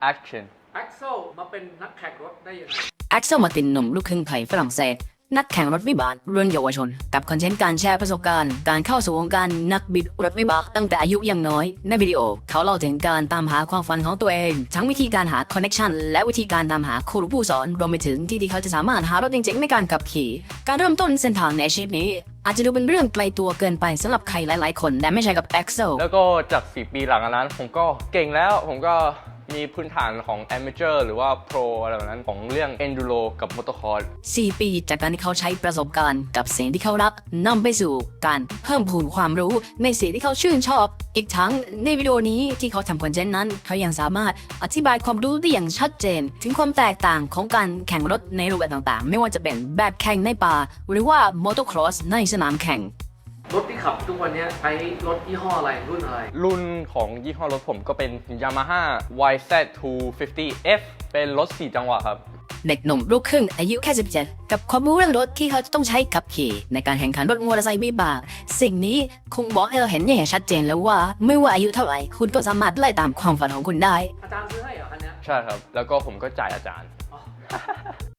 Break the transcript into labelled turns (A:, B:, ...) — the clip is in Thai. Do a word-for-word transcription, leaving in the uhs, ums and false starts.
A: action
B: แอ็กเซลมาเป็นนักแข่งรถได้ยังไง
C: แอ็กเซลมาตินหนุ่มลูกครึ่งไทยฝรั่งเศสนักแข่งรถวิบากรุ่นเยาวชนกับคอนเทนต์การแชร์ประสบการณ์การเข้าสู่วงการนักบิดรถวิบากตั้งแต่อายุยังน้อยในวิดีโอเขาเล่าถึงการตามหาความฝันของตัวเองทั้งวิธีการหาคอนเนคชันและวิธีการตามหาครูผู้สอนรวมไปถึงที่ที่เขาจะสามารถหารถจริงๆในการขับขี่การเริ่มต้นเส้นทางในอาชีพนี้อาจจะดูเป็นเรื่องไกลตัวเกินไปสำหรับใครหลายๆคนแต่ไม่ใช่กับแอ็กเซล
A: แล้วก็จากสี่ปีหลังนั้นผมก็เก่งแล้วผมก็มีพื้นฐานของ Amateur หรือว่า Pro อะไรแบบนั้นของเรื่อง Enduro กับ Motocross
C: สี่ปีจากการที่เขาใช้ประสบการณ์กับสิ่งที่เขารักนำไปสู่การเพิ่มพูนความรู้ในสิ่งที่เขาชื่นชอบอีกทั้งในวิดีโอนี้ที่เขาทำคอนเทนต์นั้นเขายังสามารถอธิบายความรู้ได้อย่างชัดเจนถึงความแตกต่างของการแข่งรถในรูปแบบต่างๆไม่ว่าจะเป็นแบบแข่งในป่าหรือว่า Motocross ในสนามแข่ง
B: รถที่ขับทุกวันนี้ใช้รถยี่ห้ออะไรรุ่นอะไร
A: รุ่นของยี่ห้อรถผมก็เป็น Yamaha วาย แซด ทู ฟิฟตี้ เอฟ เป็นรถสี่จังหวะครับ
C: เด็กหนุ่มลูกครึ่งอายุแค่สิบเจ็ดกับความรู้เรื่องรถที่เขาจะต้องใช้ขับขี่ในการแข่งขันรถมอเตอร์ไซค์วิบากสิ่งนี้คงบอกให้เราเห็นอย่างชัดเจนแล้วว่าไม่ว่าอายุเท่าไหร่คุณก็สามารถไล่ตามความฝันของคุณได้
B: อาจารย์ซื้อให้เหรอคันนี้
A: ใช่ครับแล้วก็ผมก็จ่ายอาจารย์